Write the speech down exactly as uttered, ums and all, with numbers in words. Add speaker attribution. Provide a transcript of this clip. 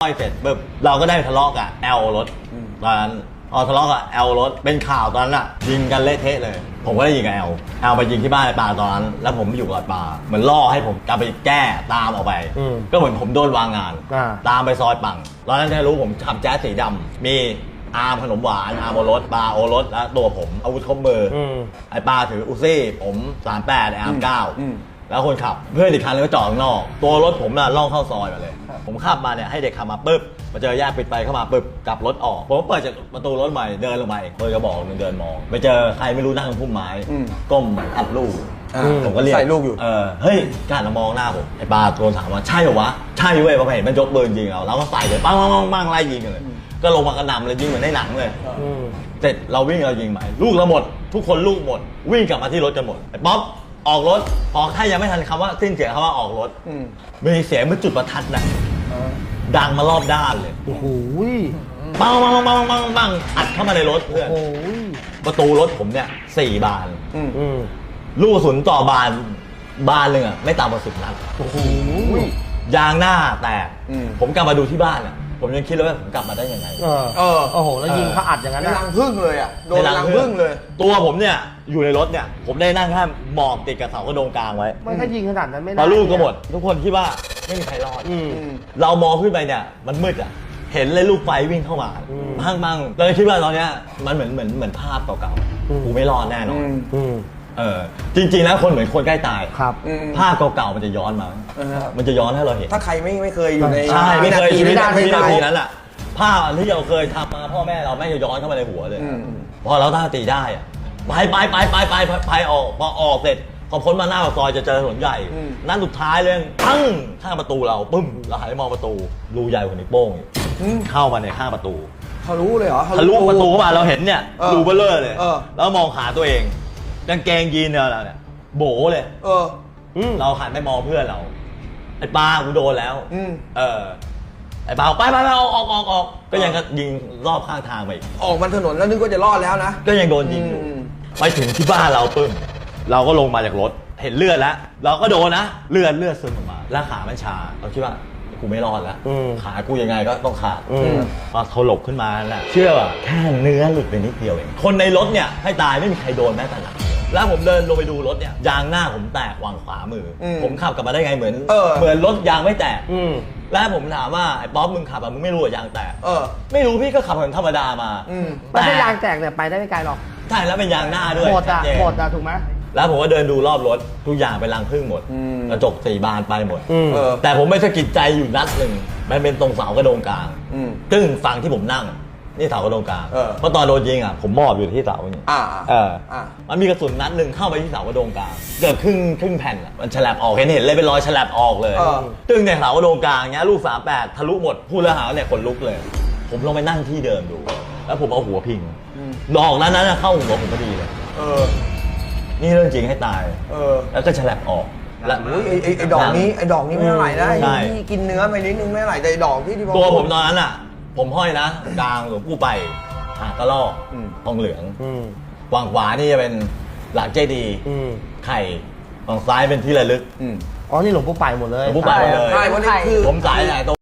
Speaker 1: ค่อยเสร็จปุ๊บเราก็ได้ทะเลาะกับแอลรถตอนนั้นพอทะเลาะกับแอลรถเป็นข่าวตอนนั้นอะยิงกันเละเทะเลยผมก็ได้ยิงกับแอลแอลไปยิงที่บ้านไอ้ปาตอนนั้นแล้วผมอยู่กับปาเหมือนล่อให้ผมกลับไปแก้ตามออกไปก็เหมือนผมโดนวางงานตามไปซอยปังตอนนั้นแค่รู้ผมขับแจ๊สสีดำมีอาร์มขนมหวานอาร์มโอรสปาโอรสและตัวผมอาวุธครบมือไอ้ปาถืออุซี่ผมสามแปดไอ้อาร์มเก้าแล้วคนขับเพื่อนอีกคันนึงก็จอดข้างนอกตัวรถผมน่ะล่องเข้าซอยมาเลยผมขับมาเนี่ยให้เด็กขับมาปุ๊บมาเจอแยกปิดไฟเข้ามาปุ๊บกลับรถออกผมเปิดจากประตูรถใหม่เดินลงไปเปิดกระบอกนึงเดินมองไปเจอใครไม่รู้นั่งบนพุ่มไม้ก้มอัดลูกผมก็เรียก
Speaker 2: ใส่ลูกอยู่
Speaker 1: เออเฮ้ยการมองหน้าผมไอ้ปาโดนถามว่าใช่เหรอวะใช่เว้ยพอเห็นมันยกปืนยิงเราเราก็ใส่เลยปังปังปังปังไล่ยิงกันเลยก็ลงมากระหน่ำเลยยิงเหมือนในหนังเลยเสร็จเราวิ่งเรายิงใหม่ลูกเราหมดทุกคนลูกหมดวิ่งกลับมาที่รถกันหมดไอ้ป๊อปออกรถออกถ้ายังไม่ทันคำว่าสิ้นเสียงคำว่าออกรถมีเสียงเหมือนจุดประทัดน่ะดังมารอบด้านเลย
Speaker 3: โอ้โห
Speaker 1: ปังปังปังปังปังอัดเข้ามาในรถเพื่อนประตูรถผมเนี่ยสี่บานลูกกระสุนต่อบานบานหนึ่งอ่ะไม่ต่ำกว่าสิบนัด
Speaker 3: โอ้โห
Speaker 1: ยางหน้าแตกผมกลับมาดูที่บ้านอ่ะผมยังคิดเลยว่าผมกลับมาได้ยังไง
Speaker 3: เออเออโอ้โหแล้วยิงเขาอัดอย่างนั้น
Speaker 2: รังพึ่งเลยอ่ะโดนรังพึ่งเลย
Speaker 1: ตัวผมเนี่ยอยู่ในรถเนี่ยผมได้นั่งแค่หมอบติดกับเสากระโดงกลางไว้
Speaker 3: ไม่ถ้ายิงขนาดนั้นไม่ได้
Speaker 1: พอลูกก็หมดทุกคนคิดว่าไม่มีใครรอดเรามองขึ้นไปเนี่ยมันมืดอ่ะเห็นเลยลูกไฟวิ่งเข้ามาพังมังเราคิดว่าตอนเนี้ยมันเหมือนเหมือนเหมือนภาพเก่าๆกูไม่รอดแน่นอนเออจริงๆแล้วคนเหมือนคนใกล้ตาย
Speaker 3: ครับ
Speaker 1: ภาพเก่าๆมันจะย้อนมามันจะย้อนให้เราเห็น
Speaker 2: ถ้าใครไม่ไม่เคยอยู่ใน
Speaker 1: ใช่ไม่เคยอยู่ในวินาทีนั้นแหละภาพที่เราเคยทำมาพ่อแม่เราไม่จะย้อนเข้ามาในหัวเลยพอเราตั้งสติได้อะไปไปไปไปไปไปออกพอออกเสร็จพอพ้นมาหน้าปากซอยจะเจอถนนใหญ่นั่นสุดท้ายเลยปั้งข้างประตูเราปึ้มเราหันไปมองประตูรูใหญ่กว่านิ้วโป้งเข้ามาในข้างประตู
Speaker 2: ทะลุเลยเหรอ
Speaker 1: ทะลุประตูเข้ามาเราเห็นเนี่ยรูเบลเลอร์เลยแล้วมองขาตัวเองกางเกงยีนเราเนี่ยโบเลย
Speaker 2: เออ
Speaker 1: เราหันไปมองเพื่อนเราไอ้ปลากูโดนแล้วเออไอ้ปลาไปไปไปออกออกออกออกก็ยังยิงรอบข้างทางไป
Speaker 2: ออกมาถนนแล้วนึกว่าจะรอดแล้วนะ
Speaker 1: ก็ยังโดนยิงอยู่ไปถึงที่บ้านเราปึ้มเราก็ลงมาจากรถเห็นเลือดแล้วเราก็โดนนะเลือดเลือดซึมออกมาแล้วขามันชาเราคิดว่ากูไม่รอดแล้วขากูยังไงก็ต้องขาดพอเขาหลบขึ้นมาแหละเชื่อว่าแค่เนื้อหลุดไปนิดเดียวเองคนในรถเนี่ยให้ตายไม่มีใครโดนแม้แต่หนักแล้วผมเดินลงไปดูรถเนี่ยยางหน้าผมแตกวางขวามือผมขับกลับมาได้ไงเหมือนเหมือนรถยางไม่แตกแล้วผมถามว่าไอ้ป๊อปมึงขับอะมึงไม่รู้ว่ายางแตกไม่รู้พี่ก็ขับเหมือนธรรมดามา
Speaker 3: แต่ถ้ายางแตกเนี่ยไปได้ไม่ไกลหรอก
Speaker 1: ใช่แล้วเป็นยางหน้าด้วย
Speaker 3: หมดอะหมดอะถูกไหม
Speaker 1: แล้วผมก็เดินดูรอบรถทุกอย่างเป็นรังผึ้งหมดกระจกสี่บานไปหมดแต่ผมไม่สะกิดใจอยู่นัดหนึ่งมันเป็นตรงเสากระโดงกลางซึ่งฝั่งที่ผมนั่งนี่เสากระโดงกลางเพราะตอนโดนยิงอ่ะผมมอบอยู่ที่เสาอย่างนี้มันมีกระสุนนัดหนึ่งเข้าไปที่เสากระโดงกลางเกือบครึ่งครึ่งแผ่นอ่ะมันฉลับออกเห็นเห็นเลยเป็นรอยฉลับออกเลยซึ่งในเสากระโดงกลางเนี้ยลูกสามแปดทะลุหมดพูดแล้วหาเนี่ยขนลุกเลยผมลงไปนั่งที่เดิมดูแล้วผมเอาหัวพิงดอกนั้นนั้นเข้าหัวผมพอดีเลยนี่เรื่องจริงให้ตายเออแล้วก็ฉลับออก
Speaker 2: แล้วไอ้ไอ้ไอ้ดอกนี้ไอ้ดอกนี้ไม่เท่าไหร่นะที่กินเนื้อไปนิดนึงไม่เท่าไหร่แต่ดอกที่ที่
Speaker 1: ตัวผมตอนนั้นอ่ะผมห้อยนะกลางหลวงปู่ไปหากระลอกทองเหลืองวางขวานี่จะเป็นหลักเจดีไข่ฝั่งซ้ายเป็นที่ระลึก
Speaker 3: อ๋อนี่หลวงปู่ไปหมดเลย
Speaker 1: หลวงปู่ไปหมดเลย
Speaker 2: ใช่เพราะนี่คือ
Speaker 1: ผมสายไหน